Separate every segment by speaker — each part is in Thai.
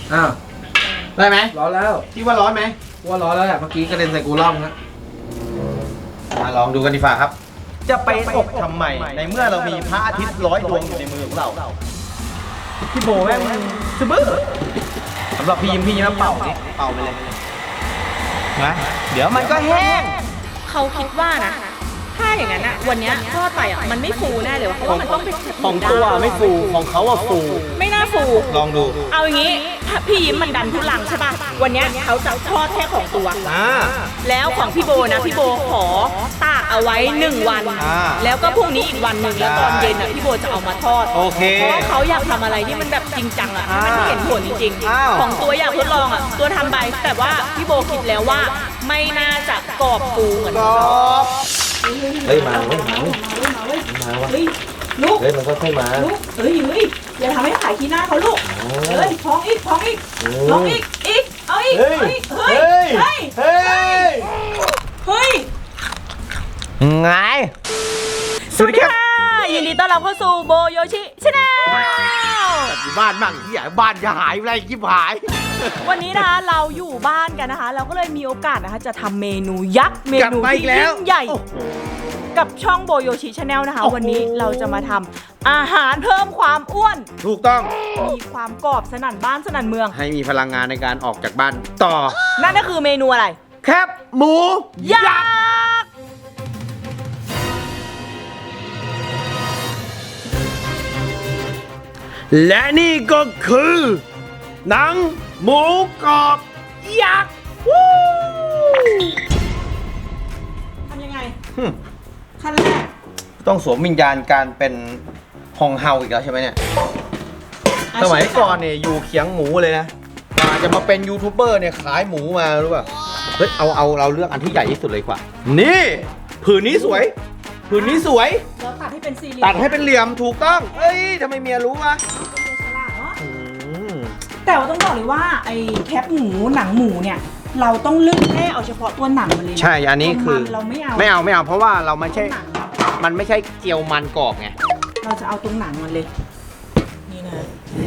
Speaker 1: อ้าว
Speaker 2: ได้ไหม
Speaker 1: ร้อนแล้ว
Speaker 2: คิดว่าร้อนไหม
Speaker 1: ว่าร้อนแล้วแหละเมื่อกี้กระเด็นใส่กูร่องนะ
Speaker 2: มาลองดูกันดีกว่าครับ จะไปอกทำไมในเมื่อเรามีพระอาทิตย์100 ดวงอยู่ในมือของเราพี่โบแม่งสบื้อสำหรับพี่ยิ้มน้ำเป่านี่เป่าไปเลยนะเดี๋ยวมันก็แห้ง
Speaker 3: เขาคิดว่านะถ้าอย่างนั้นอะวันนี้ทอดไปอะมันไม่ฟูแน่เลยเพราะว่ามันต้องเป็น
Speaker 2: ของตัวไม่ฟูของเขาอะฟู
Speaker 3: ไม่น่าฟู
Speaker 2: ลองดู
Speaker 3: เอาอย่างนี้พี่ยิ้มมันดันทุลังใช่ป่ะวันนี้เขาจะทอดแค่ของตัวแล้วของพี่โบนะพี่โบขอตากเอาไว้1 วันแล้วก็พรุ่งนี้อีกวันหนึ่งแล้วตอนเย็นอะพี่โบจะเอามาทอด
Speaker 2: โอเค
Speaker 3: เพราะว่าเขาอยากทำอะไรที่มันแบบจริงจังอะมันเห็นผลจริงๆของตัวอยากทดลองอะตัวทำไปแต่ว่าพี่โบคิดแล้วว่าไม่น่าจะกรอบฟูเหมือน
Speaker 1: เฮ้ยมาเว้ยมาว่ะ
Speaker 3: ลูก
Speaker 1: เฮ้ยมันก็ค่อยมา
Speaker 3: ลูกเฮ้ยอย่าทำให้ขายขี้หน้าเขาลูกเฮ้ยท้องอีกเอาอีกเฮ้ย
Speaker 2: ไง
Speaker 3: สวัสดีค่ะยินดีต้อนรับเข้าสู่โบโยชิชาแนล
Speaker 2: บ้านมั่งที่ใหญ่บ้านจะหายอะไรกิ๊บหาย
Speaker 3: วันนี้นะคะเราอยู่บ้านกันนะคะเราก็เลยมีโอกาสนะคะจะทำเมนูยักษ์เมนูที่ยิ่งใหญ่กับช่องโบโยชิชาแนลนะคะวันนี้เราจะมาทำอาหารเพิ่มความอ้วน
Speaker 2: ถูกต้อง
Speaker 3: มีความกรอบสนั่นบ้านสนั่นเมือง
Speaker 2: ให้มีพลังงานในการออกจากบ้านต่อ
Speaker 3: นั่นก็คือเมนูอะไร
Speaker 2: แคบหมูยักษ์และนี่ก็คือหนังหมูกรอบยักษ์
Speaker 3: ทำยังไงขั้นแรก
Speaker 2: ต้องสวมวิญญาณการเป็นฮองเฮาอีกแล้วใช่ไหมเนี่ยสมัยก่อนเนี่ยอยู่เคียงหมูเลยนะจะมาเป็นยูทูบเบอร์เนี่ยขายหมูมารู้ป่ะเฮ้ยเอาเราเลือกอันที่ใหญ่ที่สุดเลยกว่านี่ผืนนี้สวยผืนนี้สวย
Speaker 3: แล้วตัดให้เป็นสี่เหลี่ยม
Speaker 2: ตัดให้เป็นเหลี่ยมถูกต้องเฮ้ยทำไมเมียรู้วะ
Speaker 3: แต่ว่าต้องบอกเลยว่าไอ้แคปหมูหนังหมูเนี่ยเราต้องเลือกแค่เอาเฉพาะตัวหนังมันเลย
Speaker 2: ใช่อันนี้คือ
Speaker 3: เราไม่เอา
Speaker 2: เพราะว่าเราไม่ใช่มันไม่ใช่เกี๊ยวมันกรอบไง
Speaker 3: เราจะเอาตรงหนังมันเลยนี่นะ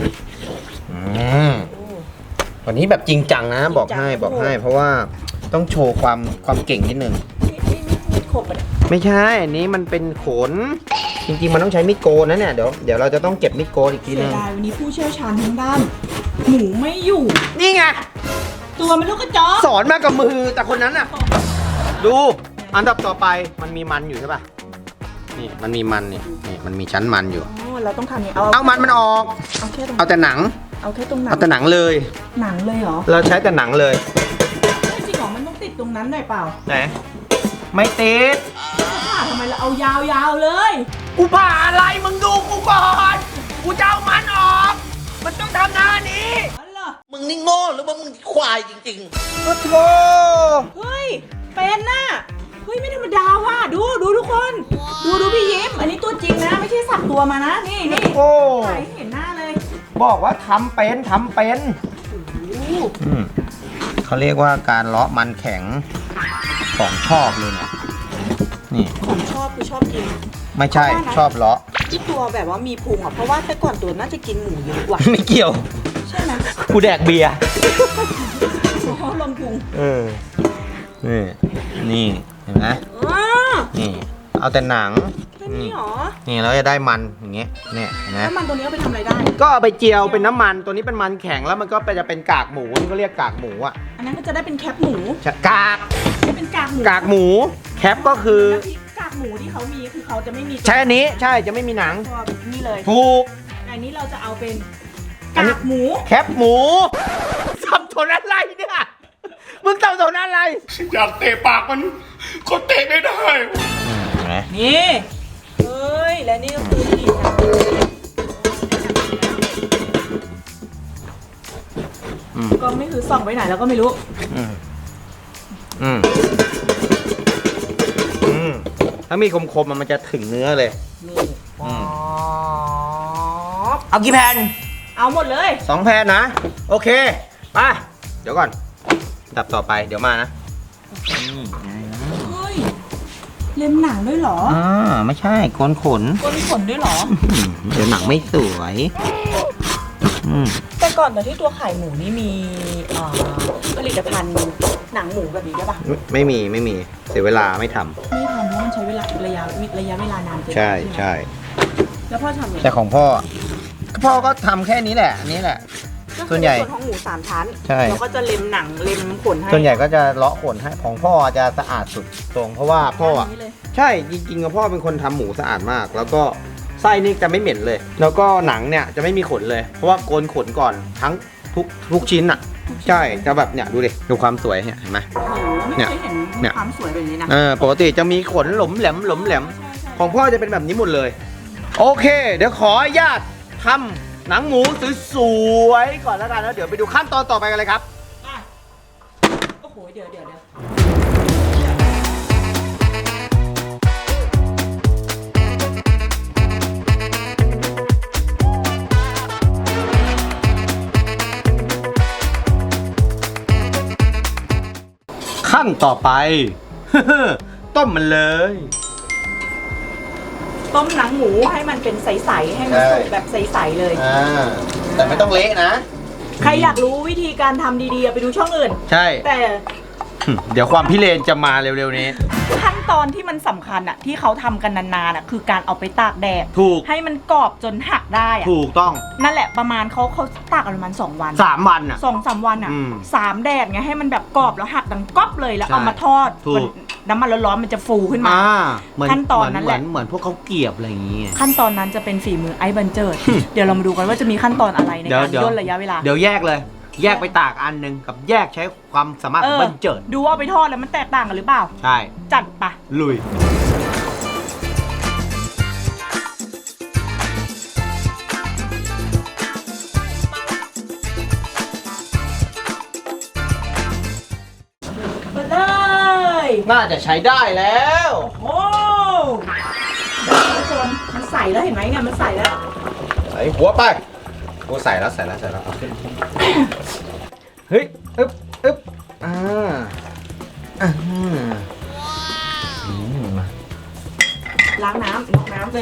Speaker 2: วันนี้แบบจริงจังนะบอกให้เพราะว่าต้องโชว์ความเก่งนิดนึง
Speaker 3: มีดโขบ
Speaker 2: ไม่ใช่อันนี้มันเป็นขนจริงๆมันต้องใช้มีดโกนนะเนี่ยเดี๋ยวเราจะต้องเก็บมีดโกนอีกทีนึง
Speaker 3: เสียดายวันนี้ผู้เชี่ยวชาญทางด้านหมูไม่อยู่
Speaker 2: นี่ไง
Speaker 3: ตัวมันลูกกระจอก
Speaker 2: สอนมากับมือแต่คนนั้นอ่ะดูอันดับต่อไปมันมีมันอยู่ใช่ป่ะนี่มันมีมันนี่มันมีชั้นมันอยู่
Speaker 3: เราต้องทำอย่าง
Speaker 2: เอามันออกเอาแต่หนัง
Speaker 3: เอาแค่ตรงหนัง
Speaker 2: เอาแต่หนังเลย
Speaker 3: หนังเลยเหรอ
Speaker 2: เราใช้แต่หนังเลย
Speaker 3: จริงเหรอมันต้องติดตรงนั้นหน่อยเปล่า
Speaker 2: ไหนไม่ติด
Speaker 3: ทำไมเราเอายาวๆเลย
Speaker 2: กูผ่าอะไรมึงดูกูก่อนกูจะเอามันออกมันต้องทำหน้านี้
Speaker 1: มึงนี่โง่หรือว่ามึงควายจริง
Speaker 2: ๆโอ้โห
Speaker 3: เฮ้ยเป็นน่ะเฮ้ยไม่ธรรมดาว่ะดูทุกคนดูพี่ยิ้มอันนี้ตัวจริงนะไม่ใช่สับตัวมานะนี่
Speaker 2: โอ้
Speaker 3: ถ่ายให้เห็นหน้าเลย
Speaker 2: บอกว่าทำเป็นเขาเรียกว่าการเลาะมันแข็งของชอบเลยเนี่ยนี่
Speaker 3: ของชอบคือชอบกิน
Speaker 2: ไม่ใช่ชอบเลาะ
Speaker 3: ที่ตัวแบบว่ามีพุงอ่ะเพราะว่าแต่ก่อนตัวน่าจะกินหมูเยอะกว่า
Speaker 2: ไม่เกี่ยว
Speaker 3: ใช่ไหม
Speaker 2: กูแดกเบียร์
Speaker 3: เขาลงพุง
Speaker 2: นี่เห็นไหมนี่เอาแต่หนัง
Speaker 3: แค่นี้หรอ
Speaker 2: นี่เราจะได้มันอย่างเงี้ยเนี่ยนะ
Speaker 3: น้ำมันตัวนี้เอาไปทำอะไรได้
Speaker 2: ก็เอาไปเจียวเป็นน้ำมันตัวนี้เป็นมันแข็งแล้วมันก็จะเป็นกากหมูนี่ก็เรียกกากหมูอ่ะ
Speaker 3: อันนั้นก็จะได้เป็นแคปหมู
Speaker 2: กาก
Speaker 3: เป็นกาก
Speaker 2: หมูแคปก็คื
Speaker 3: อกากหมูที่เขามีคือเขาจะไม่มี
Speaker 2: ใช่อันนี้ใช่จะไม่มีหนัง
Speaker 3: นี่เลย
Speaker 2: ถูก
Speaker 3: อันนี้เราจะเอาเป็นกากหมู
Speaker 2: แคปหมูสับสนอะไรเนี่ยมึงสับสนอะไร
Speaker 1: อยากเตะปากมันก็เตะไม่ได้
Speaker 3: นี่เฮ้ยและนี่ก็คือสีสันก็ไม่คือส่องไปไหนแล้วก็ไม่รู้
Speaker 2: ถ้ามีคมๆมันจะถึงเนื้อเลย
Speaker 3: นี่
Speaker 2: เอากี่แผ่น
Speaker 3: เอาหมดเลย
Speaker 2: 2 แผ่นนะโอเคไปเดี๋ยวก่อนดับต่อไปเดี๋ยวมานะ
Speaker 3: เฮ้ยเล็มหนังด้วยเหรอ
Speaker 2: ไม่ใช่โกนขน
Speaker 3: ด้วยเหรอ
Speaker 2: เดี๋ยวหนังไม่สวย
Speaker 3: แต่ก่อนตอนที่ตัวขายหมูนี่มีผลิตภัณฑ์หนังหมูแบบนี้ได้ปะ
Speaker 2: ไม่มีเสียเวลาไม่ทำ
Speaker 3: ไม่ทำเพราะมันใช้เวลาระยะเวลานานเกิน
Speaker 2: ใช่
Speaker 3: แล้วพ่อทำไง
Speaker 2: แต่ของพ่อก็ทำแค่นี้แหละอันนี้แหละ
Speaker 3: ก็คือ
Speaker 2: ส่วนใหญ่
Speaker 3: ในส่วนของหมู3ชั้น
Speaker 2: ใช่
Speaker 3: เราก็จะเล็มหนังเล็มขนให้
Speaker 2: ส่วนใหญ่ก็จะเลาะขนให้ของพ่อจะสะอาดสุดตรงเพราะว่าพ่ออะ
Speaker 3: ย่างนี้เลย
Speaker 2: ใช่จริงๆพ่อเป็นคนทำหมูสะอาดมาก แล้วก็ไส้นี่จะไม่เหม็นเลย แล้วก็หนังเนี่ยจะไม่มีขนเลย เพราะว่าโกนขนก่อนทั้งทุกชิ้นอ่ะใช่จะแบบเนี่ยดูดิดูความสวยเนี่ยเห็นไหม
Speaker 3: โอ้โหไม่เคยเห็น
Speaker 2: เนี่ย
Speaker 3: ความสวยแบบนี้นะ
Speaker 2: ปกติจะมีขนหลมแหลมของพ่อจะเป็นแบบนี้หมดเลย โอเค เดี๋ยวขออนุญาตทำหนังหมูสวยๆก่อนแล้วกันแล้วเดี๋ยวไปดูขั้นตอนต่อไปกันเลยครับ
Speaker 3: โอ้โหเดี๋ยว
Speaker 2: ขั้นต่อไป ต้มมันเลย
Speaker 3: ต้มหนังหมูให้มันเป็นใสๆให้มันสุกแบบใสๆเลย
Speaker 2: แต่ไม่ต้องเละนะ
Speaker 3: ใครอยากรู้วิธีการทำดีๆไปดูช่องอื่น
Speaker 2: ใช่
Speaker 3: แต่
Speaker 2: เดี๋ยวความพิเรนจะมาเร็วๆนี้
Speaker 3: ขั้นตอนที่มันสำคัญอะที่เขาทำกันนานๆอะคือการเอาไปตากแดด
Speaker 2: ถูก
Speaker 3: ให้มันกรอบจนหักได้อะ
Speaker 2: ถูกต้อง
Speaker 3: นั่นแหละประมาณเขาตากกันประมาณ2 วัน
Speaker 2: 3 วันอ่ะ
Speaker 3: 2-3 วันอะ
Speaker 2: อืม
Speaker 3: 3 แดดไงให้มันแบบกรอบแล้วหักดังก๊อบเลยแล้ว
Speaker 2: ใช่
Speaker 3: เอามาทอด
Speaker 2: ถูก
Speaker 3: น้ำมันร้อนๆมันจะฟูขึ้นมา
Speaker 2: เหมือน
Speaker 3: ขั้นตอนนั้นแหละ
Speaker 2: เหมือนพวกเขาเกลียบอะไรอย่างเงี้ย
Speaker 3: ขั้นตอนนั้นจะเป็นฝีมือไอ้บันเจิด เดี๋ยวเรามาดูกันว่าจะมีขั้นตอนอะไรในการ
Speaker 2: เดี๋ยว
Speaker 3: ย่นระยะเวลา
Speaker 2: เดี๋ยวแยกเลย แยกไปตากอันหนึ่งกับแยกใช้ความสามารถของบันเจิด
Speaker 3: ดูว่าเอาไปทอดแล้วมันแตกต่างกันหรือเปล่า
Speaker 2: ใช่
Speaker 3: จัดปะ
Speaker 2: ลุย
Speaker 3: มาเลย
Speaker 2: น่าจะใช้ได้แล้ว
Speaker 3: โอ้ทุกคนมันใส่แล้วเห็นไหมเนี่ยมันใส่แล้ว
Speaker 2: ใส่หัวไปโอ้ใส่แล้วเอาขึ้นเฮ้ยอึ๊บมา
Speaker 3: ล้างน้ำลงน้ำเลย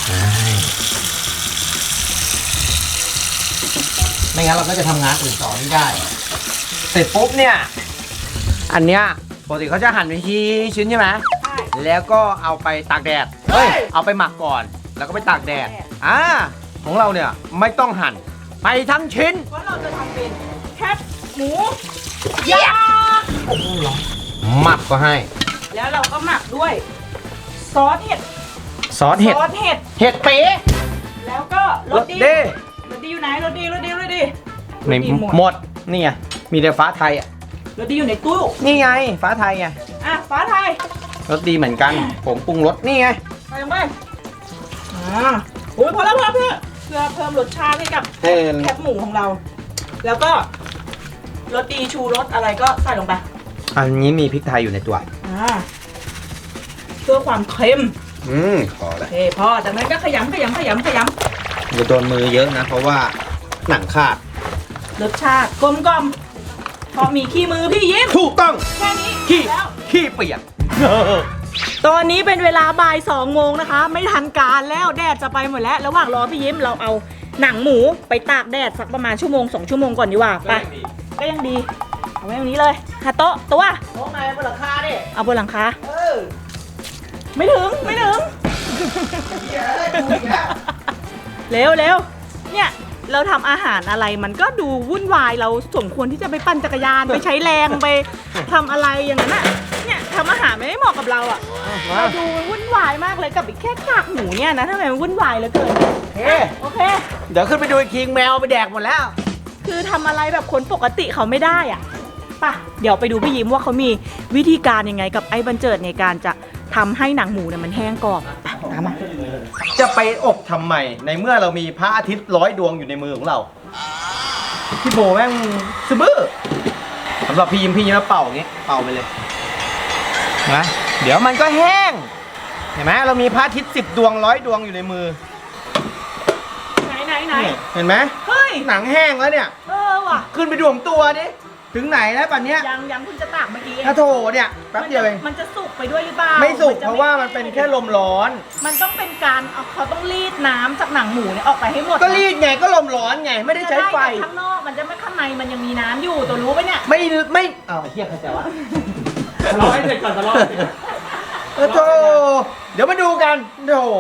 Speaker 2: ไม่งั้นเราก็จะทำงานอื่นต่อไม่ได้ เสร็จปุ๊บเนี่ย อันเนี้ยปกติเขาจะหั่นเป็นชิ้นใช่ไหม
Speaker 3: ใช่
Speaker 2: แล้วก็เอาไปตากแดด
Speaker 3: เฮ้ย
Speaker 2: เอาไปหมักก่อน แล้วก็ไปตากแดด
Speaker 3: ตากแดด
Speaker 2: ของเราเนี่ยไม่ต้องหั่น ไปทั้งชิ้น
Speaker 3: เพราะเราจะทำเป็นแคบหมูย่าง
Speaker 2: หมักก็ให้
Speaker 3: แล้วเราก็หมักด้วยซอสเห็ด
Speaker 2: ซอสเห็ด
Speaker 3: ซอสเห็ด
Speaker 2: เห็ดเป๊ะ
Speaker 3: แล้วก็รสดี
Speaker 2: เด้
Speaker 3: รสดีอยู่ไหนรสดี
Speaker 2: ไม่หมด นี่ไง มีแต่ฟ้าไทยอ่ะ
Speaker 3: รสดีอยู่ในตู้
Speaker 2: นี่ไง ฟ้าไทยไง
Speaker 3: อ่ะฟ้าไทย
Speaker 2: รสดีเหมือนกัน ผมปรุงรสนี่ไง
Speaker 3: ใส่ลงไปโอ้ยพอแล้วเพื่อเพิ่มรสชาติให้กับ
Speaker 2: ให้
Speaker 3: แคบหมูของเรา แล้วก็รสดีชูรสอะไรก็ใส่ลงไป
Speaker 2: อันนี้มีพริกไทยอยู่ในตัว
Speaker 3: เพื่อความเค็ม
Speaker 2: พอแล้ว
Speaker 3: โอเคพอจากนั้นก็ขยำ
Speaker 2: จะโดนมือเยอะนะ เพราะว่าหนังขาด
Speaker 3: รสชาติกลมกล่อมพอมีขี้มือพี่ยิ้ม
Speaker 2: ถูกต้อง
Speaker 3: แค่นี้
Speaker 2: ขี้
Speaker 3: แล้ว
Speaker 2: ขี้เปียก
Speaker 3: ตอนนี้เป็นเวลาบ่าย2 โมงนะคะ ไม่ทันการแล้วแดดจะไปหมดแล้ว ระหว่างรอพี่ยิ้มเราเอาหนังหมูไปตากแดดสักประมาณ1-2 ชั่วโมงก่อนดีกว่าไปก็ยังดีเอาไว้ตรงนี้เลยหาโต๊ะตัว
Speaker 2: โต๊ะไหนบนหลังคาดิ
Speaker 3: เอาบนหลังคาไม่ถึงเร็วเนี่ยเราทำอาหารอะไรมันก็ดูวุ่นวายเราสมควรที่จะไปปั่นจักรยานไปใช้แรงไปทำอะไรอย่างนั้นน่ะเนี่ยทำอาหารไม่ได้เหมาะกับเราอ่ะเราดูวุ่นวายมากเลยกับอีกแค่กากหมูเนี่ยนะทำไมมันวุ่นวายเหลือเกินโอเค
Speaker 2: เดี๋ยวขึ้นไปดูอีกทีแมวไปแดกหมดแล้ว
Speaker 3: คือทำอะไรแบบคนปกติเขาไม่ได้อ่ะป่ะเดี๋ยวไปดูพี่ยิ้มว่าเขามีวิธีการยังไงกับไอ้บันเจิดในการจะทำให้หนังหมูเนี่ยมันแห้งกรอบไปตามมา
Speaker 2: จะไปอบทำไมในเมื่อเรามีพระอาทิตย์100 ดวงอยู่ในมือของเรา พี่โบแม่งซื้อบื้อสำหรับพี่ยิ้มแล้วเป่าอย่างงี้เป่าไปเลยนะเดี๋ยวมันก็แห้ง เห็นไหมเรามีพระอาทิตย์10 ดวง100 ดวงอยู่ในมือ
Speaker 3: ไหน
Speaker 2: นี่เห็นไหม
Speaker 3: เฮ้ย
Speaker 2: หนังแห้งแล้วเนี่ย
Speaker 3: ว่ะ
Speaker 2: ขึ้นไปดูของตัวดิถึงไหนแล้วป่ะเนี้ย
Speaker 3: ยังคุณจะตากเมื่อกี้
Speaker 2: ถ้าโถเนี่ยแป๊บเดียวเอง
Speaker 3: มันจะสุกไปด้วยหรือเปล่า
Speaker 2: ไม่สุกเพราะว่ามันเป็นแค่ลมร้อน
Speaker 3: มันต้องเป็นการเขาต้องรีดน้ำจากหนังหมูเนี่ยออกไปให้หมด
Speaker 2: ก็รีดไงก็ลมร้อนไงไม่ได้ใช้ไฟ
Speaker 3: ข้างนอกมันจะไม่ข้างในมันยังมีน้ำอยู่ตัวรู้ปะเนี่ย
Speaker 2: ไม่อ้าวเฮียเข้าใจวะ
Speaker 1: รอให้เสร็จก่อนจะรอ
Speaker 2: โธ่เดี๋ยวมาดูกันโธ่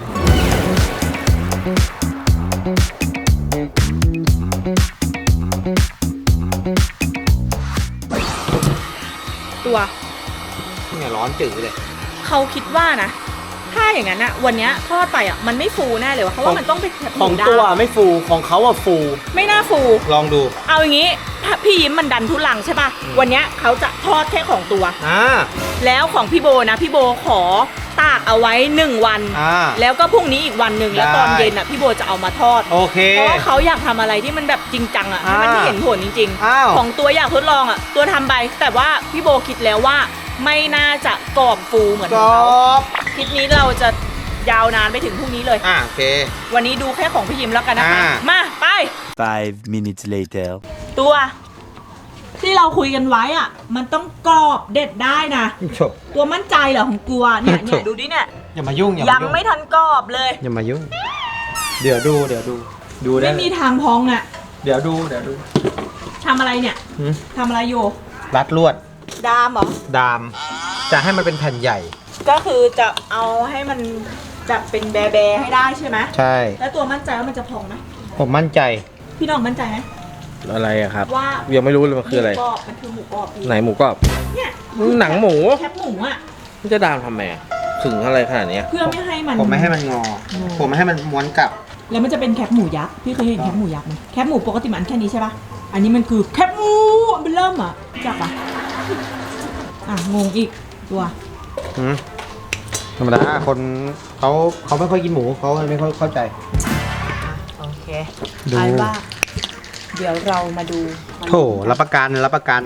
Speaker 3: ตัว
Speaker 2: เนี่ยร้อนจืดเลย
Speaker 3: เขาคิดว่านะ ถ้าอย่างนั้นอะวันเนี้ยทอดไปอะมันไม่ฟูแน่เลยวะเพราะว่ามันต้องเป็นแบบห
Speaker 2: ข
Speaker 3: มู
Speaker 2: อง
Speaker 3: ดำ
Speaker 2: ตัวไม่ฟูของเขาอะฟู
Speaker 3: ไม่น่าฟู
Speaker 2: ลองดู
Speaker 3: เอาอย่างงี้ถ้าพี่ยิ้มมันดันทุลังใช่ป่ะวันเนี้ยเขาจะทอดแค่ของตัว แล้วของพี่โบนะพี่โบขอตากเอาไว้1 วัน แล้วก็พรุ่งนี้อีกวันหนึ่งแล้วตอนเย็นอ่ะพี่โบจะเอามาทอด
Speaker 2: โอเค
Speaker 3: เพราะว่าเขาอยากทำอะไรที่มันแบบจริงจังอ่ะให้มันเห็นผลจริง
Speaker 2: อ้าว
Speaker 3: ๆ ของตัวอยากทดลองอ่ะตัวทำไปแต่ว่าพี่โบคิดแล้วว่าไม่น่าจะกรอบฟูเหมือน
Speaker 2: กร
Speaker 3: ของเขา
Speaker 2: อบ
Speaker 3: คลิปนี้เราจะยาวนานไปถึงพรุ่งนี้เลย
Speaker 2: โอเค
Speaker 3: วันนี้ดูแค่ของพี่ยิ้มแล้วกันนะคะมาไป
Speaker 4: 5 minutes later
Speaker 3: ตัวที่เราคุยกันไว้อ่ะมันต้องกรอบเด็ดได้นะ
Speaker 2: จบ
Speaker 3: ตัวมั่นใจเหรอของกลัวเนี่ยดูดิเนี่ย
Speaker 2: อย่ามายุ่ง
Speaker 3: ยังไม่ทันกรอบเลย
Speaker 2: อย่ามายุ่งเดี๋ยวดูดูได้
Speaker 3: ไม่มีทางพองอ่ะ
Speaker 2: เดี๋ยวดู
Speaker 3: ทำอะไรเนี่ยทำอะไรอยู่
Speaker 2: รัดลวด
Speaker 3: ดามเหรอ
Speaker 2: ดามจะให้มันเป็นแผ่นใหญ่
Speaker 3: ก็คือจะเอาให้มันจะเป็นแบๆให้ได้ใช่ไหม
Speaker 2: ใช่
Speaker 3: แล้วตัวมั่นใจว่ามันจะพองไหม
Speaker 2: ผมมั่นใจ
Speaker 3: พี่น้องมั่นใจไหม
Speaker 1: อะไรอะครับ
Speaker 3: ว่า
Speaker 1: ยังไม่รู้เลยมันคืออะไร
Speaker 3: หมูกรอบมันคือหมูกรอบพี่
Speaker 1: ไหนหมูกรอบ
Speaker 3: เนี่ย
Speaker 1: หนังหมู
Speaker 3: แคบหมูอ่ะ
Speaker 1: มันจะดามทำไมอะถึงอะไรขนาดเนี้ย
Speaker 3: เพื่อไม่ให้มัน
Speaker 2: ผมไม่ให้มันงอ ผมไม่ให้มันม้วนกลับ
Speaker 3: แล้วมันจะเป็นแคบหมูยักษ์พี่เคยเห็นแคบหมูยักษ์ไหมแคบหมูปกติมันแค่นี้ใช่ปะอันนี้มันคือแคบหมูมันเริ่มอ่ะจับอ่ะงงอีกตัว
Speaker 2: ธรรมดาคนเขาไม่ค่อยกินหมูเขาไม่ค่อยเข้าใจ
Speaker 3: โอเค
Speaker 2: ดู
Speaker 3: เอาว่าเดี๋ยวเรามาดู
Speaker 2: โถรับประกัน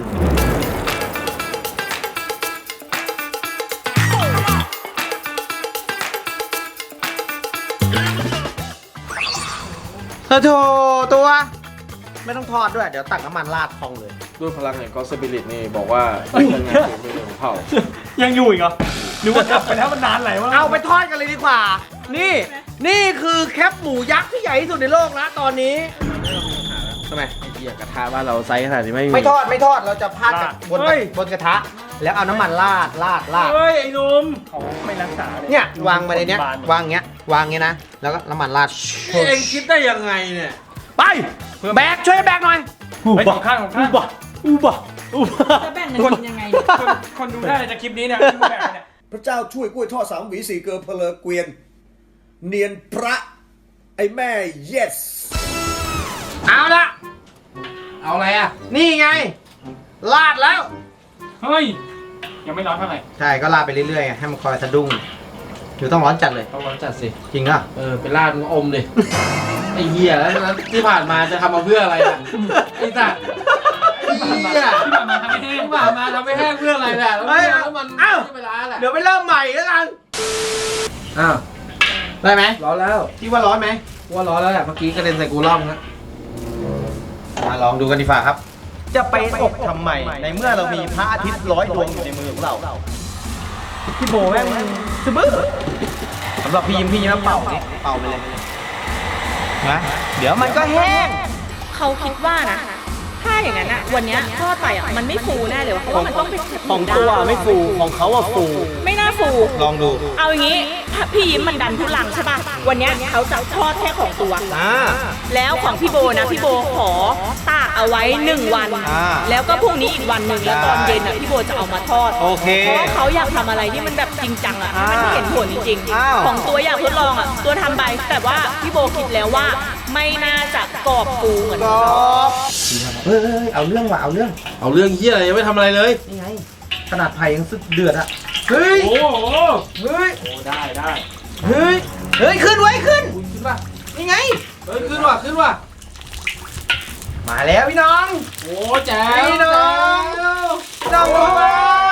Speaker 2: โถตัว ไม่ต้องทอดด้วย เดี๋ยวตักน้ำมันราดพองเลย
Speaker 1: ด้วยพลังแห่งกอสปิริตนี่บอกว่าเป็นงานฝีมือของเขา
Speaker 5: ยังอยู่อีกเหรอหรือว่าจับไปแล้วมันนานไหลวะ
Speaker 2: เอาไปทอดกันเลยดีกว่า นี่คือแคปหมูยักษ์ที่ใหญ่ที่สุดในโลกนะตอนนี้
Speaker 1: ทำไมไอ้เหี้ยกระทะบ้านเราไซส์ขนาดนี้ไม่มี
Speaker 2: ไม่ทอดเราจะพาดจากบนกระทะ แล้วเอาน้ำมันราด
Speaker 5: เฮ้ย ไอ้หนุ่มเขาไม่รักษา
Speaker 2: เนี่ยวางมาในเนี้ยวางเงี้ยวางเงี้ยนะ แล้วก็น้ำมันราด
Speaker 1: เองคิดได้ยังไงเนี่ย
Speaker 5: ไป
Speaker 2: แบกช่วยแบกหน่อย
Speaker 5: ไปของข้างอุบะ
Speaker 3: จะแบ่งเงินกินยังไงเนี่ย
Speaker 5: คนดูได้จากคลิปนี้เนี่ยแบบเนี่ย
Speaker 6: พระเจ้าช่วยกล้วยทอด3 หวี 4 เกลือเพลอเกวียน เนียนพระ ไอ้แม่ yes
Speaker 2: เอาละ
Speaker 1: เอาอะไรอะ
Speaker 2: นี่ไงลาดแล้ว
Speaker 5: เฮ้ย ยังไม่ร้อนเท่าไหร่
Speaker 2: ใช่ก็ลาดไปเรื่อยๆไงให้มันคอยสะดุ้งอยู่ต้องร้อนจัดเลย
Speaker 1: ต้องร้อนจัดสิ
Speaker 2: จริงอ่ะ
Speaker 1: เป็นราดมึงอมดิ ไอ้เหี้ยแล้วที่ผ่านมาจะทำมาเพื่ออะไรอะไอ้สัตว์
Speaker 2: เหี้ย
Speaker 5: ที่ผ่านมาทำให้แห้ง
Speaker 1: ที่ผ่านมาทำไม่แห้งเพื่ออะไรเนี่ยแล้วมัน
Speaker 2: เอ้า
Speaker 1: เวลาแหละ
Speaker 2: เดี๋ยวไปเริ่มใหม่แล้วกัน
Speaker 1: อ้าว
Speaker 2: ได้ไหม
Speaker 1: ร้อนแล้ว
Speaker 2: ที่ว่าร้อนไหม
Speaker 1: ว่าร้อนแล้วแหละเมื่อกี้กระเด็นใส่กูร่องนะ
Speaker 2: มาลองดูกันดีกว่าครับ จะไปอบทำไมในเมื่อเรามีพระอาทิตย์100 ดวงอยู่ในมือของเราพี่โบแม่งสบื้อสำหรับพี่ยิ้มเป่านี่เป่าไปเลยนะเดี๋ยวมันก็แห้ง
Speaker 3: เขาคิดว่านะถ้าอย่างนั้นอะวันเนี้ยทอดไปอะมันไม่ฟูแน่เลยวะเพราะว่ามันต้องเป็น
Speaker 2: ของตัวไม่ฟูของเขาอะฟู
Speaker 3: ไม่น่าฟู
Speaker 2: ลองดู
Speaker 3: เอาอย่างงี้ถ้าพี่ยิ้มมันดันทุลังใช่ป่ะวันเนี้ยเขาจะทอดแค่ของตัว แล้วของพี่โบนะพี่โบขอตากเอาไว้1 วัน แล้วก็พรุ่งนี้อีกวันหนึ่งแล้วตอนเย็นอ่ะพี่โบจะเอามาทอด
Speaker 2: โอเค
Speaker 3: เพราะว่าเขาอยากทำอะไรที่มันแบบจริงจังอ่ะให้มันเห็นผลจริง
Speaker 2: อ้าว
Speaker 3: ๆของตัวอยากทดลองอ่ะตัวทำไปแต่ว่าพี่โบคิดแล้วว่าไม่น่าจะกรอบฟูเหมือน
Speaker 2: กร
Speaker 3: ของเขา
Speaker 2: อบเฮ้ยเอาเรื่องว่ะเอาเรื่อง
Speaker 1: เอาเรื่องเหี้ยอะไรยังไม่ทำอะไรเลย
Speaker 2: นี่ไงขนาดไผ่ยังสึกเดือดอะเฮ้ย
Speaker 5: โอ้โห
Speaker 2: เฮ้ย
Speaker 5: โอ้ได้ได้
Speaker 2: เฮ้ยขึ้นไว้ขึ้น
Speaker 1: ขึ้นป่ะ
Speaker 2: นี่ไง
Speaker 1: เฮ้ยขึ้นว่ะ
Speaker 2: มาแล้วพี่น้อง
Speaker 1: โอ้แจ๋ว
Speaker 2: พี่น้องพี่น้องดูไว้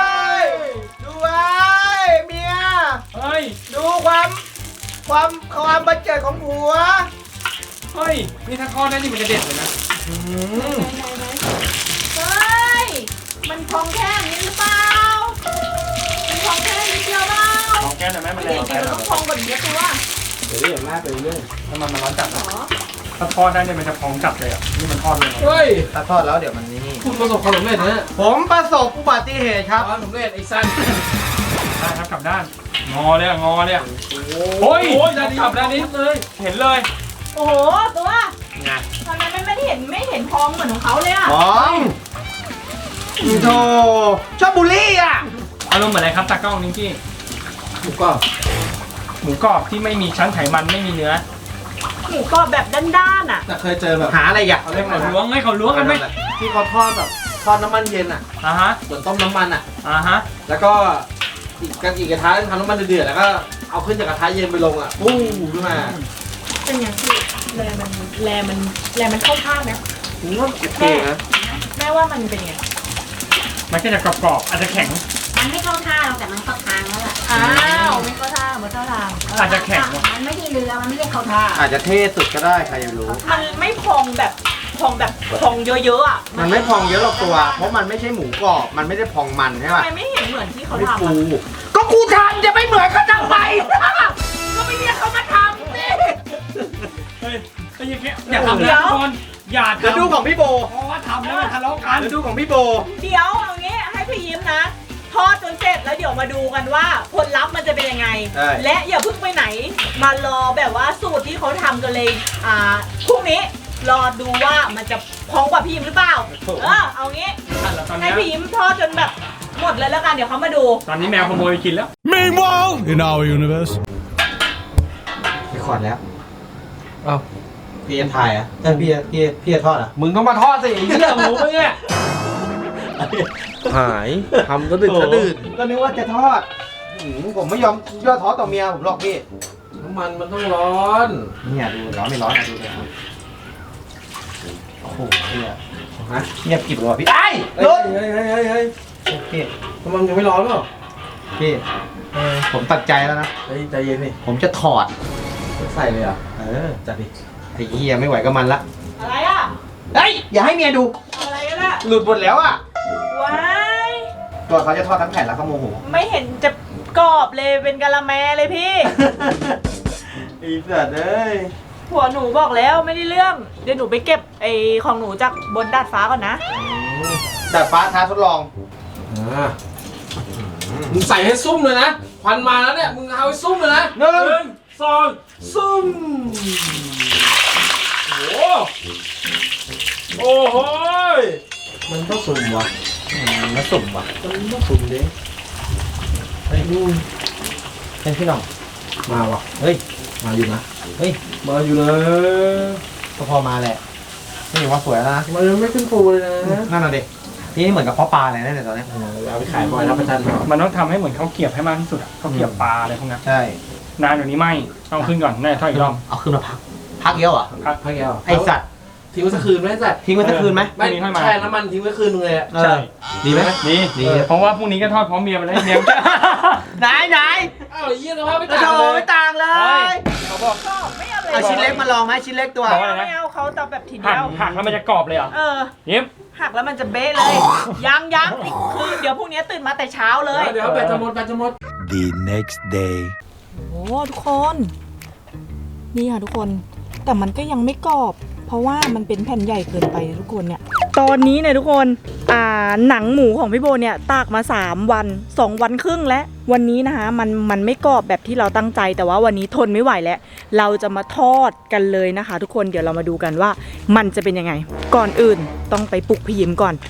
Speaker 2: เมีย
Speaker 5: เฮ้ย
Speaker 2: ดูความบันเจิดของผัว
Speaker 5: เฮ้ย นี่ถ้าข้อได้นี่มันจะเด็ดเลยนะ
Speaker 3: เฮ้ย
Speaker 1: อย่าลากไปเรื่อย
Speaker 5: น้ำมันร้อนจัดนะถ้าทอดได้เนี่ยมันจะพองจัดเลยอ่ะนี่มันทอดเลยเหรอ
Speaker 1: เฮ้ย
Speaker 2: ถ้าทอดแล้วเดี๋ยวมันนี่
Speaker 1: คุณประสบความสำเร็จนะ
Speaker 2: ผมประสบอุบัติเหตุครับ
Speaker 1: ความสำเร็จไอ้สัน
Speaker 5: ได้ครับกลับด้านงอเลยอะงอเลยอะ
Speaker 1: โอ้ยด้านนี้กลับด้านนี้เลย
Speaker 5: เห็นเลย
Speaker 3: โอ้โหตัวทำไมมันไม่เห็นพองเหมือนของเขาเลยอ่ะ
Speaker 2: พร้อมโธ่ชอบบูลลี่อ่ะ
Speaker 5: อารมณ์เหมือนอะไรครับตากล้องนิงกี้
Speaker 1: ถูกก็
Speaker 5: หมูกรอบที่ไม่มีชั้นไขมันไม่มีเนื้อ
Speaker 3: หมูกรอบแบบด้านๆอ่ะ
Speaker 1: แต่เคยเจอแบบ
Speaker 2: หาอะไรอ่ะ
Speaker 1: เขาเรียกอะไร
Speaker 5: เขา
Speaker 1: นะ
Speaker 5: ล้วงให้เขาล้วงกันไหม
Speaker 1: ที่เขาทอดแบบทอดน้ำมันเย็นอ่ะ
Speaker 5: ฮะ
Speaker 1: เหมือนต้มน้ำมันอ่ะ
Speaker 5: ฮะ
Speaker 1: แล้วก็อีกกระทะทำน้ำมันเดือดๆแล้วก็เอาขึ้นจากกระทะเย็นไปลงอ่ะปู้ขึ้นมา
Speaker 3: เป็นอย่างที่แลมันเข้าท่าไหม
Speaker 1: ผมว่าโอเคนะ
Speaker 3: แม่ว่ามันเป็นไง
Speaker 5: มันก็จะกรอบๆอาจจะแข็ง
Speaker 7: มันไม่เข้าท่าเราแต่มันเข้าทางแล้วล่ะ
Speaker 3: อ้าวไม่เข้าท่าเหมือนเข้าทาง
Speaker 5: อาจจะแข็ง
Speaker 7: มันไม่ใช่เรือ มันไม่ได้เข้าท่า
Speaker 2: อาจจะเท่สุดก็ได้ใครจะรู้
Speaker 3: มันไม่พองแบบพองเยอะๆอ่ะ
Speaker 2: มันไม่พองเยอะหรอกตัว เพราะมันไม่ใช่หมูกรอบ มันไม่ได้พองมันใช่
Speaker 3: ทำ
Speaker 2: ป่ะ
Speaker 3: ไมไม่เห็นเหมือนที่เขา
Speaker 2: ไม่
Speaker 3: ทำ
Speaker 2: ฟู
Speaker 3: อะ
Speaker 2: ก็กูทำจะไม่เหมือนก็ทำไม
Speaker 3: ก็ไม่เรียกเขามาทำสิ
Speaker 5: เฮ้ยไอ้ยังแค่อย่าทำนะทุกคนอย่า
Speaker 2: เดี๋ยว
Speaker 5: ทำ
Speaker 2: ดูของพี่โบ
Speaker 5: เพราะว่าทำแล้วมันทะเลาะกัน
Speaker 2: เดี๋ยวดูของพี่โบ
Speaker 3: เดี๋ยวเอางี้ให้พี่ยิ้มนะ ทอดจนเสร็จแล้วเดี๋ยวมาดูกันว่าผลลัพธ์มันจะเป็นยังไง
Speaker 2: ใช่
Speaker 3: และอย่าเพิ่งไปไหน มารอแบบว่าสูตรที่เขาทำกันเลยพรุ่งนี้รอดูว่ามันจะพองกว่าพี่ยิ้มหรือเปล่า เอางี้
Speaker 5: แล้วตอน
Speaker 3: ให้
Speaker 5: นี้
Speaker 3: พี่ยิ้มทอดจนแบบหมดเลยแล้วกันเดี๋ยวเขามาดู
Speaker 5: ตอนนี้แมวขโมยไปกินแล้ว
Speaker 8: Meanwhile, in our universe.
Speaker 2: พี่ขอดแล้ว
Speaker 1: เอ้า
Speaker 2: พี่จะถ่ายอ่ะพี่จะทอดอ่ะ
Speaker 1: มึงต้องมาทอดสิไอ้เหี้ยหมูมึงเนี่ยหายทำก็ดึกก็ดื่น
Speaker 2: ก็นึกว่าจะทอดผมไม่ยอมย่อท้อต่อเมียผมหรอกพี่
Speaker 1: น้ำมันมันต้องร้อน
Speaker 2: เนี่ยดูร้อนไม่ร้อนอ่ะดูเลยโอ้โหเนี่ยฮะเงียบกริบเลยว่ะพี่ไอ้
Speaker 1: เฮ้
Speaker 2: ร
Speaker 1: ย
Speaker 2: ถ
Speaker 1: เฮ้ยเฮ้ยเฮ้ย
Speaker 2: พี่
Speaker 1: น้ำมันยังไม่ร้อนหรอ
Speaker 2: พี่ผมตัดใจแล้วนะ
Speaker 1: เฮ้ยใจเย็นดิ
Speaker 2: ผมจะถอด
Speaker 1: ใส่เลยเหรอ่ะ จัดดิ
Speaker 2: ไอ้เหี้ยไม่ไหวกับมันละ
Speaker 3: อะไรอ่ะ
Speaker 2: เฮ้ยอย่าให้เมียดู
Speaker 3: อะไรกันล่ะ
Speaker 2: หลุดหมดแล้วอ่ะ
Speaker 3: ว้าย
Speaker 2: ตัวเขาจะทอดทั้งแผ่นแล้วเขาโมโห
Speaker 3: ไม่เห็นจะกรอบเลยเป็นกะละแมเลยพี่
Speaker 2: ไอ้สัตว์เอ้ย
Speaker 3: ผัวหนูบอกแล้วไม่ได้เรื่อง เดี๋ยวหนูไปเก็บไอ้ของหนูจากบนดาดฟ้าก่อนนะ
Speaker 2: ดาดฟ้าท้าทดลอง
Speaker 1: มึงใส่ให้ซุ่มเลยนะ ควันมาแล้วเนี่ย มึงเอาให้ซุ่มเลยนะ
Speaker 2: หนึ่ง
Speaker 1: สองซุ่ม โอ้โหมันต้องสุ่มวะ
Speaker 2: มาสุ่มว่ะ
Speaker 1: มันต้องสุ่มดิ
Speaker 2: เฮ้ยพี่หน้อง
Speaker 1: มาวะ
Speaker 2: เฮ้ย
Speaker 1: มาอยู่นะ
Speaker 2: เฮ้ย
Speaker 1: มาอยู่เลย
Speaker 2: ก็พอมาแหละนี่ถือว่าสวยแล้วนะ
Speaker 1: มันยังไม่ขึ้นฟูเลยนะ
Speaker 2: นั่นน่ะดินี่เหมือนกับพ่อปลาเลยนะเนี่ยตอนนี้
Speaker 1: เอาไปขายบ่อยรับประทานบ่อย
Speaker 5: มันต้องทำให้เหมือนข้าวเกรียบให้มากที่สุดอะข้าวเกรียบปลาอะไรพวกนั้น
Speaker 2: ใช่
Speaker 5: นานอยู่นี้ไม่ต้องขึ้นก่อนแน่ทอดอีกรอบ
Speaker 2: เอาขึ้นมาพักเยอะเหรอ
Speaker 1: พักแก้ว
Speaker 2: ไอสัตว์
Speaker 1: ทิ้งไว้สักคืนไหมสัตว์
Speaker 2: ทิ้งไว้สักคืนไหม
Speaker 1: ไม่แช่น้ำมันทิ้งไว้คืนนึงเลยอะ
Speaker 2: เออดีไหม
Speaker 5: ดี
Speaker 2: ดี
Speaker 5: เพราะว่าพรุ่งนี้ก็ทอดพร้อมเมียไปแล้วเมียก็
Speaker 2: ไหน
Speaker 1: อ้าวไอ้เหี้ยสภาพไม่
Speaker 2: กระ
Speaker 1: ต่าง
Speaker 2: โด
Speaker 1: เล
Speaker 2: ไม่
Speaker 1: ย
Speaker 2: ต่างเล
Speaker 5: เฮ้
Speaker 2: ย
Speaker 5: ยเขาบอก
Speaker 3: ก็ไม่เอาเลย
Speaker 2: เอาชิ้นเล็กมาลองไหมชิ้นเล็กตัว
Speaker 5: บอกว่าอะไรนะ
Speaker 3: ไม่เอาเขาแต่แบบที
Speaker 5: หั
Speaker 3: เดี
Speaker 5: ก
Speaker 3: ยว
Speaker 5: หักแล้วมันจะกรอบเลยเหรอ
Speaker 3: เออ
Speaker 5: ยิ้ม
Speaker 3: หักแล้วมันจะเบ๊ะเลย ยังคือเดี๋ยวพรุ่งนี้ตื่นมาแต่เช้าเลย
Speaker 1: เดี๋ยวแบตจะหมดแบตจะหมด
Speaker 4: The next day.
Speaker 3: โอ้ทุกคน นี่ค่ะทุกคน แต่มันก็ยังไม่กรอบ เพราะว่ามันเป็นแผ่นใหญ่เกินไปนะทุกคนเนี่ย ตอนนี้เนี่ยทุกคนหนังหมูของพี่โบเนี่ยตากมา3 วัน2 วันครึ่งแล้ววันนี้นะคะมันไม่กรอบแบบที่เราตั้งใจ แต่ว่าวันนี้ทนไม่ไหวแล้ว เราจะมาทอดกันเลยนะคะ ทุกคนเดี๋ยวเรามาดูกันว่ามันจะเป็นยังไง ก่อนอื่นต้องไปปลุกพี่ยิ้มก่อน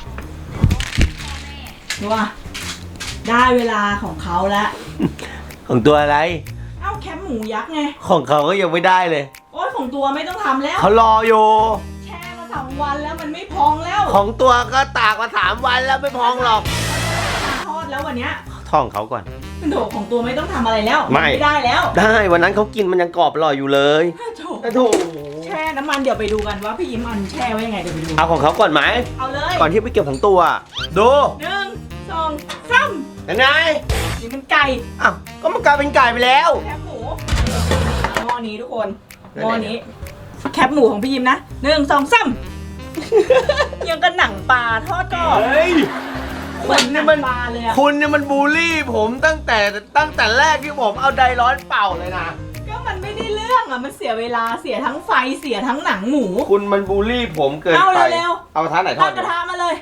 Speaker 3: ว่าได้เวลาของเขาแล้ว
Speaker 9: ของตัวอะไร
Speaker 3: เอ้าแคปหมูยักษ์ไง
Speaker 9: ของเขาก็ยังไม่ได้เลย
Speaker 3: โอ้ยของตัวไม่ต้องทำแล้ว
Speaker 9: เขารออยู่
Speaker 3: แช่มา2 วันแล้วมันไม่พองแล้ว
Speaker 9: ของตัวก็ตากมา3 วันแล้วไม่พองหรอก
Speaker 3: ทอดแล้ววันเนี้ย
Speaker 9: ท่องเขาก่อน
Speaker 3: โถของตัวไม่ต้องทำอะไรแล้ว
Speaker 9: ไม่
Speaker 3: ได้แล้ว
Speaker 9: ได้วันนั้นเขากินมันยังกรอบอร่อยอยู่เลย
Speaker 3: โถ
Speaker 9: โถ
Speaker 3: แช่น้ำมันเดี๋ยวไปดูกันว่าพี่ยิ้มมันแช่ไว้ยังไงเดี๋ยวไปดู
Speaker 9: เอาของเขาก่อนไหม
Speaker 3: เอาเลย
Speaker 9: ก่อนที่ไปเก็บของตัว ดู
Speaker 3: 1 2 3
Speaker 9: ยังไง
Speaker 3: นี่มันไก่
Speaker 9: อ้าวก็มันกลายเป็นไก่ไปแล้ว
Speaker 3: แคบหมูหม้อนี้ทุกคนหม้อนี้แคบหมูของพี่ยิ้มนะ1 2 3ยังกับหนังปลาทอดกรอบ
Speaker 9: เฮ้ย
Speaker 3: เหมือนหนังปลาเลยอะ
Speaker 9: คุณเนี่ยมันบูลลี่ผมตั้งแต่แรกที่ผมเอาไดร้อนเป่าเลยนะ
Speaker 3: ก็มันไม่ได้เรื่องอ่ะมันเสียเวลาเสียทั้งไฟเสียทั้งหนังหมู
Speaker 2: คุณมันบูลลี่ผมเกิน
Speaker 3: เอา
Speaker 2: ไป
Speaker 3: เร็ว
Speaker 2: เอากระทะไหนทอ
Speaker 3: ตั้
Speaker 2: ด
Speaker 3: งกระทะมาเลย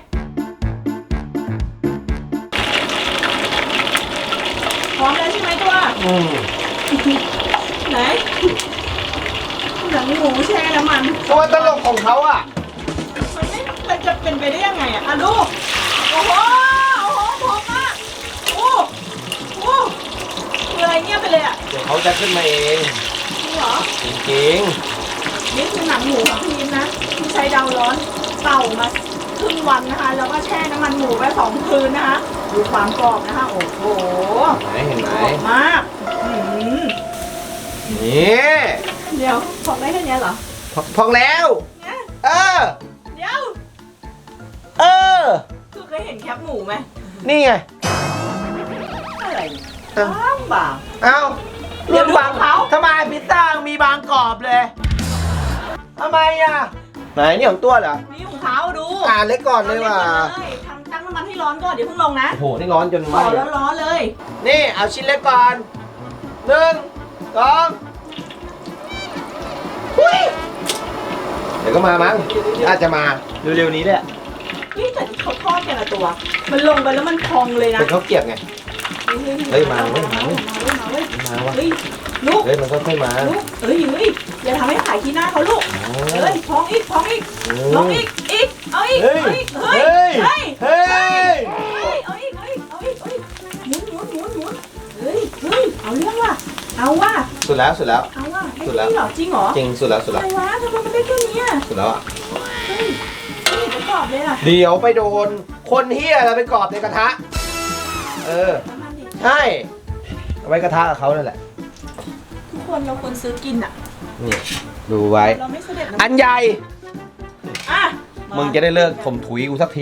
Speaker 3: พร้อมแล้วใช่ไหมตัวไหนหนังหมูแช่น้ำมัน
Speaker 2: ตัวตลกของเขาอ่ะ
Speaker 3: มันจะเป็นไปได้ยังไงอ่ะดูโอ้โหพร้อมมากโอ้คืออะไรเงียบไปเลยอ่ะ
Speaker 2: เดี๋ยวเขาจะขึ้นมาเอง
Speaker 3: จริงเหรอ
Speaker 2: จริง
Speaker 3: นี่คือหนังหมูของพี่ยิ้มนะที่ใช้ดาวร้อนเป่ามาครึ่งวันนะคะแล้วก็แช่น้ำมันหมูไป2 คืนนะคะดูความกรอบนะคะโอ้โห
Speaker 2: ๆไหนเห็นไหม
Speaker 3: กรอบมาก
Speaker 2: นี่
Speaker 3: เดี๋ยวพอกได้แค่นี้เหรอ
Speaker 2: พองแล้ว
Speaker 3: เนี่ย
Speaker 2: เออ
Speaker 3: เดี๋ยว
Speaker 2: เออ
Speaker 3: คือเคยเห็นแคปหมูไหม
Speaker 2: นี่ไง
Speaker 3: อะไร
Speaker 2: เอ้า
Speaker 3: บาง
Speaker 2: เอ้า
Speaker 3: เดี๋ยวดูของเขา
Speaker 2: ทำไมพิซซ่ามีบางกรอบเลยทำไมอ่ะไหนนี่ของตัวเหรอ
Speaker 3: นี่ของเขาดู
Speaker 2: เล็กก่อนเลยว่ะ
Speaker 3: ทำตั้งน้ำมันให้ร้อนก่อนเดี๋ยวเพิ่งลงนะ
Speaker 2: โอ้โหนี่ร้อนจน
Speaker 3: ข
Speaker 2: ไหม้
Speaker 3: อร้อนๆเลย
Speaker 2: นี่เอาชิ้นเล็กก่อน1 2เดี๋ยวก็มามั้งอาจจะมาเร็วๆนี้แหละ
Speaker 3: นี่แต่ที่เขาทอดกันละตัว มันลงไปแล้วมันพองเลยนะ
Speaker 2: เป็นข้าวเกรี๊ยวไง เฮ้ยมาเว้ยมาเว้ย
Speaker 3: มาเว้ย
Speaker 2: มาวะ
Speaker 3: เฮ้ยลูก
Speaker 2: เฮ้ยมันก็ค่อยมา
Speaker 3: ลูกเฮ้ยอย่าทำให้ขายขี้หน้าเขาลูกเฮ้ยพองอีกลองอีกเอาอีกเอาอีกเฮ้ยเอาอีกหมุนเฮ้ยเอาเรื่องว่ะเอาว่ะ
Speaker 2: สุดแล้ว
Speaker 3: เอาว่ะไอ้นี่เหรอจริงเหรอ
Speaker 2: จริงสุดแล้ว
Speaker 3: อะไรวะทำไมมันได้แค่นี้อ่ะ
Speaker 2: สุดแล้วอ่ะ
Speaker 3: เฮ้ยนี่จะกรอบเลยอ่ะ
Speaker 2: เดี๋ยวไปโดนคนเฮียอะไรไปกรอบในกระทะใช่เอาไว้กระทะกับเขานั่นแหละ
Speaker 3: ทุกคนเราควรซื้อกินอ่ะ
Speaker 2: นี่ดูไว้
Speaker 3: เราไม่เสด็จ
Speaker 2: อันใหญ่
Speaker 3: อ่ะ
Speaker 2: มึงจะได้เลิกถมถุยกูสักที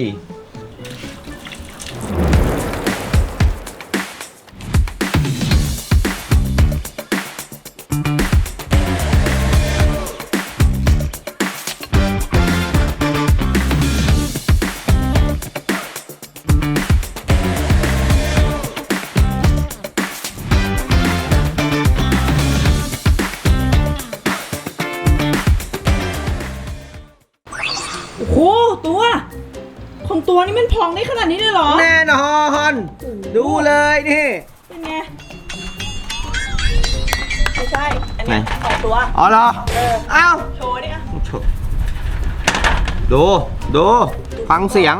Speaker 3: โอ้โหตัวของตัวนี้มันพองได้ขนาดนี้เลยเหรอ
Speaker 2: แน่นอนดูเลยนี่
Speaker 3: เป็นไงไม่ใช่อันนี้ของตัว
Speaker 2: อ๋อเหรอเอ้า
Speaker 3: โชว์ดิอ่ะ
Speaker 2: ดูฟังเสียง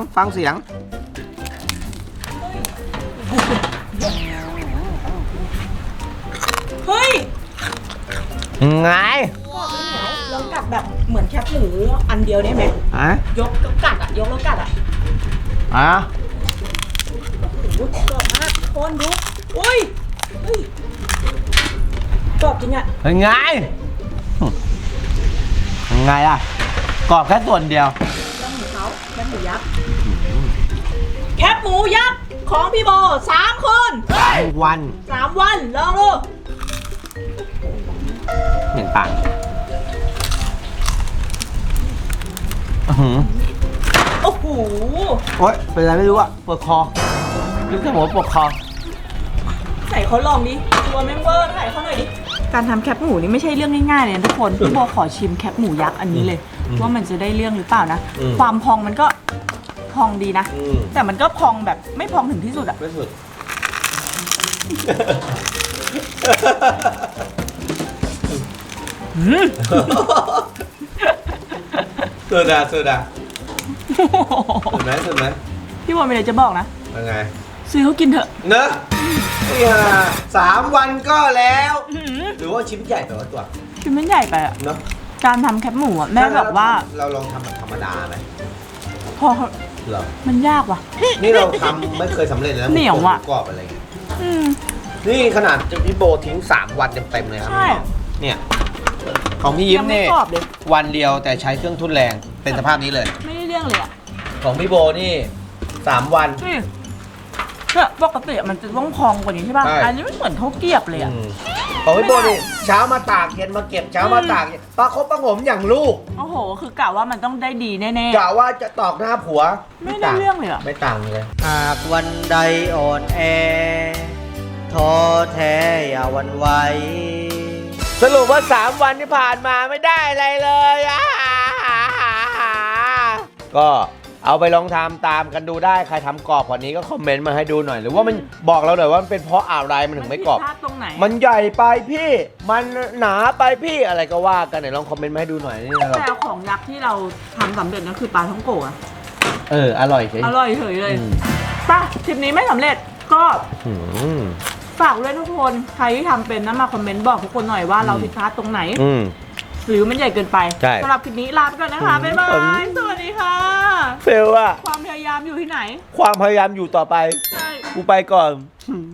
Speaker 3: เฮ้ย
Speaker 2: ไง
Speaker 3: ลองกัดแบบเหมือนแคปหมูอันเดียวได้ไหม ยกแล้วกัดอ่ะ ยกแล้วกัดอ่ะ โอ้โหกรอบมากคนดูอุ้ยกรอบจริงอ่ะ
Speaker 2: เป็นไงล่ะกรอบแค่ส่วนเดียว
Speaker 3: แล้วหมูเขาแคปหมูยักษ์แคปหมูยักษ์ของพี่โบ3 คน
Speaker 2: วัน
Speaker 3: 3 วันลองดู
Speaker 2: เหมือนต่าง
Speaker 3: โอ้โห
Speaker 2: โอ๊ยเป็นอะไรไม่รู้อะปวดคอรู้แค่หัวปวดคอ
Speaker 3: ไหนเขาลองดิตัวแมงเวอร์ไหนเขาหน่อยดิการทำแคปหมูนี่ไม่ใช่เรื่องง่ายๆเลยนะทุกคนพี่โบขอชิมแคปหมูยักษ์อันนี้เลยว่ามันจะได้เรื่องหรือเปล่านะความพองมันก็พองดีนะแต่มันก็พองแบบไม่พองถึงที่สุดอะ
Speaker 2: ไม่สุดสุดอ่ะสุดไหม
Speaker 3: พี่โบมีอะไรจะบอกนะ
Speaker 2: ยังไง
Speaker 3: ซื้อเขากินเถอะ
Speaker 2: เนอะเนี่ย3 วันก็แล้ว หรือว่าชิ้นใหญ่แต่ว่าตัว
Speaker 3: ชิ้นมันใหญ่ไปอะ
Speaker 2: เนอะ
Speaker 3: การทำแคปหมูอะแม่แบบว่า
Speaker 2: เราลองทำแบบธรรมดาไหม
Speaker 3: พอ
Speaker 2: เหรอ
Speaker 3: มันยากว่ะ
Speaker 2: นี่เราทำไม่เคยสำเร็จเลยนะ
Speaker 3: เหนียวอะ
Speaker 2: หมูกรอบอะไรเงี้ย
Speaker 3: อืม
Speaker 2: นี่ขนาดพี่โบทิ้ง3 วันเต็มๆเลยครับ
Speaker 3: ใช่
Speaker 2: เนี่ยของพี่ยิ้ม
Speaker 3: ยังไม่
Speaker 2: นี่
Speaker 3: กรอบเลย
Speaker 2: วันเดียวแต่ใช้เครื่องทุ่นแรงเป็นสภาพนี้เลย
Speaker 3: ไม่ได้เรื่องเลยอะ
Speaker 2: ของพี่โบนี่3 วัน
Speaker 3: นี่เนี่ยปกติมันจะต้องพองกว่านี้ใช่ป่ะ
Speaker 2: ใช่
Speaker 3: อันนี้ไม่เหมือนข้าวเกรียบเลยอะ
Speaker 2: ของพี่โบนี่เช้ามาตากเย็นมาเก็บเช้ามาตากเย็นประคบประหงมอย่างลูก
Speaker 3: โอ้โห คือกะว่ามันต้องได้ดีแน่
Speaker 2: กะว่าจะตอกหน้าผัว
Speaker 3: ไม่ได้เรื่องเลยอะ
Speaker 2: ไม่ต่างเลย
Speaker 9: หากวันใดอ่อนแอท้อแท้อย่าหวันไหวสรุปว่า 3 วันที่ผ่านมาไม่ได้อะไรเลยก็เอาไปลองทำตามกันดูได้ใครทำกรอบกว่านี้ก็คอมเมนต์มาให้ดูหน่อยหรือว่ามันบอกเราหน่อยว่ามันเป็นเพราะอะไรมันถึงไม่กรอบ
Speaker 3: ผิดพลาดตรงไหน
Speaker 9: มันใหญ่ไปพี่ มันหนาไปพี่อะไรก็ว่ากันไหนลองคอมเมนต์มาให้ดูหน่อยนี่นะครับ
Speaker 3: แต่ของยักษ์ที่เราทำสำเร็จนั่นคือปลาท่องโกะ
Speaker 2: อร่อยใช่
Speaker 3: อร่อยเฉยเลยป่ะทริปนี้ไม่สำเร็จก็ฝากด้วยทุกคนใครที่ทำเป็นนะมาคอมเมนต์บอกทุกคนหน่อยว่าเราผิดพลาดตรงไหนหรือมันใหญ่เกินไป
Speaker 9: ใช่
Speaker 3: สำหรับคลิปนี้ลาไปก่อนนะคะบ๊ายบายสวัสดีค่ะ
Speaker 9: เฟลอะ
Speaker 3: ความพยายามอยู่ที่ไหน
Speaker 9: ความพยายามอยู่ต่อไป
Speaker 3: ใช่
Speaker 9: กูไปก่อน